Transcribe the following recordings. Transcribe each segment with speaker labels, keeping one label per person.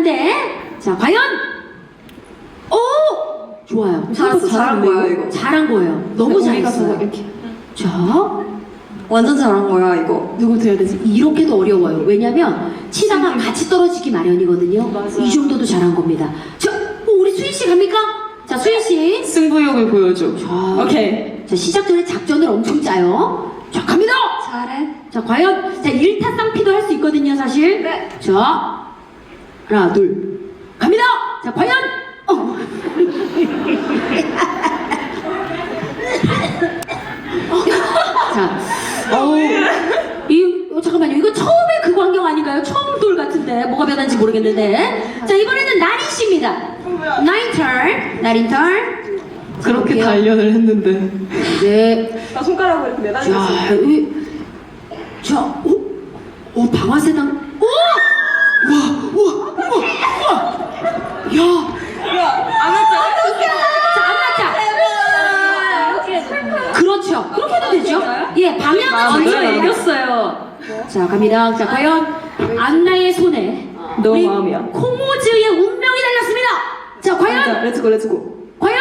Speaker 1: 하는데 자 과연 오 좋아요.
Speaker 2: 잘한 거야 이거.
Speaker 1: 잘한 거예요. 너무 잘했어요.
Speaker 2: 이렇게.
Speaker 1: 자
Speaker 2: 완전 잘한 거야 이거.
Speaker 1: 누구부터 해야 되지? 이렇게도 어려워요. 왜냐면 치다가 같이 떨어지기 마련이거든요.
Speaker 2: 맞아.
Speaker 1: 이 정도도 잘한 겁니다. 자 우리 수희 씨 갑니까? 자 수희 씨.
Speaker 3: 승부욕을 보여줘.
Speaker 1: 자,
Speaker 3: 오케이.
Speaker 1: 자 시작 전에 작전을 엄청 짜요. 자 갑니다.
Speaker 2: 잘해.
Speaker 1: 자 과연 자 1타 쌍피도 할 수 있거든요 사실.
Speaker 2: 네.
Speaker 1: 자 하나 둘 갑니다. 자 과연 자 잠깐만요. 이거 처음에 그 광경 아닌가요? 처음 돌 같은데 뭐가 변한지 모르겠는데. 자 이번에는 나린 씨입니다. 나린 턴.
Speaker 3: 그렇게
Speaker 1: 볼게요.
Speaker 3: 단련을 했는데.
Speaker 1: 네.
Speaker 2: 나 손가락으로 이렇게 매달리고 있어.
Speaker 1: 오, 방아쇠당. 오! 우와! 야!
Speaker 2: 야, 안 왔잖아.
Speaker 1: 자, 안 났자. 그렇죠. 그렇게 해도 되죠? 예, 방향은
Speaker 3: 먼저
Speaker 1: 저희가
Speaker 3: 이겼어요.
Speaker 1: 자, 갑니다. 자, 과연 안나의 손에
Speaker 3: 너
Speaker 1: 우리
Speaker 3: 마음이야.
Speaker 1: 콩오즈의 운명이 달렸습니다. 자, 과연
Speaker 3: 렛츠고.
Speaker 1: 과연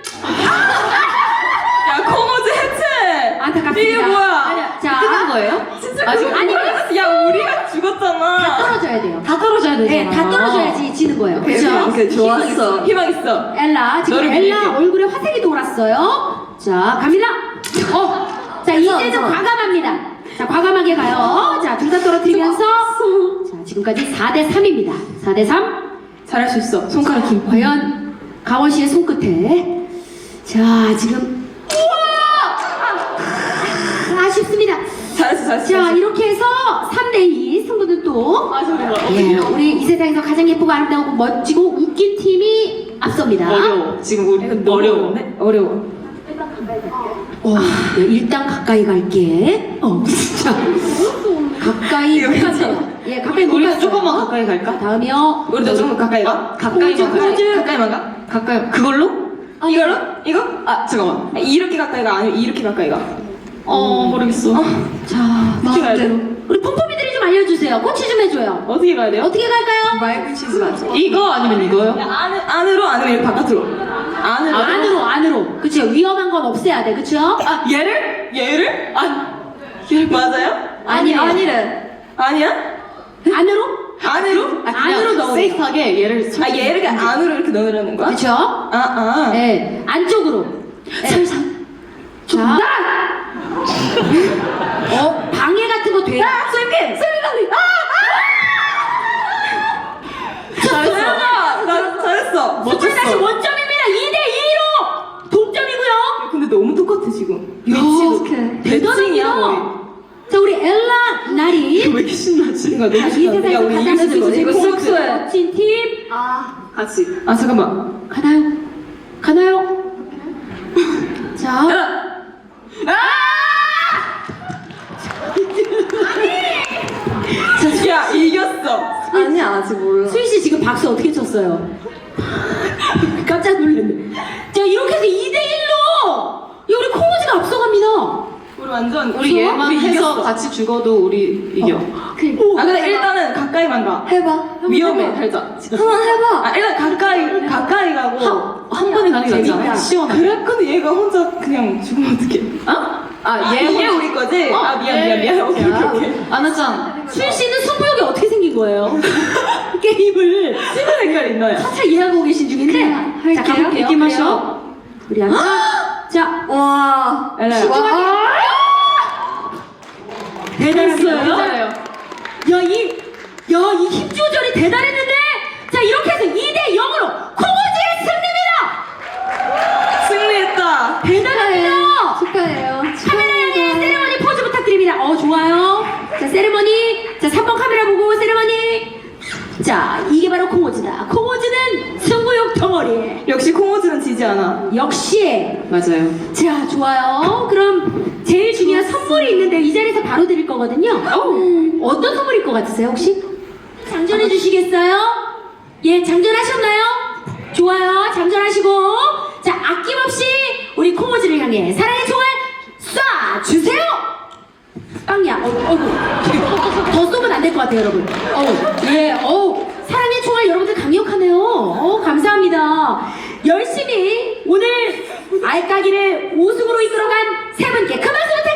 Speaker 3: 야, 코모즈 해체!
Speaker 1: 안타깝습니다.
Speaker 3: 이게 뭐야?
Speaker 1: 아니야. 자,
Speaker 3: 끝난 거예요?
Speaker 2: 진짜
Speaker 3: 아직
Speaker 1: 아니,
Speaker 3: 야, 우리가 죽었잖아.
Speaker 1: 다 떨어져야 돼요.
Speaker 3: 다 떨어져야 되잖아.
Speaker 1: 네, 다 떨어져야지 지는 거예요. 그렇죠?
Speaker 3: 오케이, 좋았어. 희망 있어.
Speaker 1: 엘라 지금
Speaker 3: 너를
Speaker 1: 엘라
Speaker 3: 믿을게.
Speaker 1: 얼굴에 화색이 돌았어요. 자 갑니다. 자 이제 좀 과감합니다. 자 과감하게 가요. 자 둘 다 떨어뜨리면서 자 지금까지 4대 3입니다. 4대 3.
Speaker 3: 잘할 수 있어. 손가락 힘.
Speaker 1: 과연 가원 씨의 손끝에 자 지금 아쉽습니다.
Speaker 3: 잘했어.
Speaker 1: 자 이렇게 해서 3대 2 승부는 또 예, 우리 이 세상에서 가장 예쁘고 아름다우고 멋지고 웃긴 팀이 앞섭니다.
Speaker 3: 어려워. 지금 우리 어려워. 어려워.
Speaker 1: 네, 일단 가까이 갈게. 진짜. 가까이 못 간다. 예, 가까이 못
Speaker 3: 우리
Speaker 1: 갔어요.
Speaker 3: 조금만 가까이 갈까?
Speaker 1: 다음이요.
Speaker 3: 우리도 조금 가까이 가? 가까이만
Speaker 1: 포즈.
Speaker 3: 가까이만 가? 가까이. 그걸로? 이걸로? 이거? 아, 잠깐만. 이렇게 가까이 가? 아니면 이렇게 가까이 가? 모르겠어.
Speaker 1: 자,
Speaker 3: 어떻게 가야 돼?
Speaker 1: 우리 폼폼이들이 좀 알려주세요. 코치 좀 해줘요.
Speaker 3: 어떻게 가야 돼요?
Speaker 1: 어떻게 갈까요?
Speaker 2: 마이크 치즈 맞죠?
Speaker 3: 이거 아니면 이거요? 안으로 아니면 이렇게 바깥으로?
Speaker 1: 안으로. 그쵸? 위험한 건 없애야 돼. 그쵸?
Speaker 3: 아, 얘를? 얘를? 얘를 맞아요?
Speaker 1: 아니래.
Speaker 3: 아니야?
Speaker 1: 안으로?
Speaker 3: 안으로?
Speaker 1: 안으로 넣어요.
Speaker 3: 세이프하게 얘를 얘를 안으로 이렇게 넣으라는 거야?
Speaker 1: 그쵸? 네, 안쪽으로. 네. 자. 방해 같은 거 돼요?
Speaker 3: 스윙! 잘했어. 나 잘했어.
Speaker 1: 스물 다시 원점입니다. 2대 2로 동점이고요.
Speaker 3: 근데 너무 똑같아 지금.
Speaker 1: 야, 대단합니다. 자, 우리 엘라 나리.
Speaker 3: 왜 이렇게 신나지? 이거
Speaker 1: 이 세상에서 가장
Speaker 3: 이거
Speaker 1: 멋진
Speaker 3: 쑥쑥해.
Speaker 1: 멋진 팀
Speaker 3: 같이. 아 잠깐만.
Speaker 1: 가나요? 자,
Speaker 3: 야 이겼어.
Speaker 2: 아니야 아직 몰라.
Speaker 1: 수희 씨 지금 박수 어떻게 쳤어요? 깜짝 놀랐네. 자, 이렇게 해서 2대 1로 우리 콩오지가 앞서갑니다.
Speaker 3: 우리 완전
Speaker 2: 우리 얘만
Speaker 3: 우리
Speaker 2: 해서
Speaker 3: 이겼어.
Speaker 2: 같이 죽어도 우리 이겨.
Speaker 3: 아 근데 일단은 가까이만 가.
Speaker 2: 해봐.
Speaker 3: 위험해 살짝.
Speaker 2: 한번 해봐.
Speaker 3: 아 일단 가까이 가고.
Speaker 2: 한 번에 가는 게 낫지 않아?
Speaker 1: 재밌다.
Speaker 2: 시원하게.
Speaker 3: 그래? 근데 얘가 혼자 그냥 죽으면 어떡해? 얘 우리 거지? 미안. 오케이.
Speaker 2: 아나짱.
Speaker 1: 수희 씨는 승부욕이 어떻게 생긴 거예요? 게임을
Speaker 3: 신의 색깔 있나요?
Speaker 1: 차차 이해하고 계신 중인데 자, 가볼게요.
Speaker 2: 이렇게 마셔.
Speaker 1: 우리 안나 자,
Speaker 2: 와.
Speaker 3: 엘라야.
Speaker 1: 대단했어요.
Speaker 2: 잘해요.
Speaker 1: 야, 이 힘 조절이 대단했는데 자, 이렇게 해서 2대 0으로 콩오지의 승리입니다.
Speaker 3: 승리했다.
Speaker 1: 대단합니다.
Speaker 2: 축하해요.
Speaker 1: 카메라 향해 세레머니 포즈 부탁드립니다. 좋아요. 자, 세레머니. 자, 3번 카메라 보고 세레머니. 자, 이게 바로 콩오즈다. 콩오즈는 승부욕 덩어리.
Speaker 3: 역시 콩오즈는 지지 않아.
Speaker 1: 역시.
Speaker 3: 맞아요.
Speaker 1: 자, 좋아요. 그럼 제일 중요한 선물이 있는데 이 자리에서 바로 드릴 거거든요. 어떤 선물일 것 같으세요, 혹시? 장전해 주시겠어요? 예, 장전하셨나요? 좋아요. 장전하시고. 자, 아낌없이 우리 콩오즈를 향해 사랑의 총알 쏴 주세요. 빵야. 더 쏘면 안 될 것 같아요, 여러분. 사랑의 총알 여러분들 감사합니다. 열심히 오늘 알까기를 우승으로 이끌어간 세 분께 큰 박수 부탁드립니다.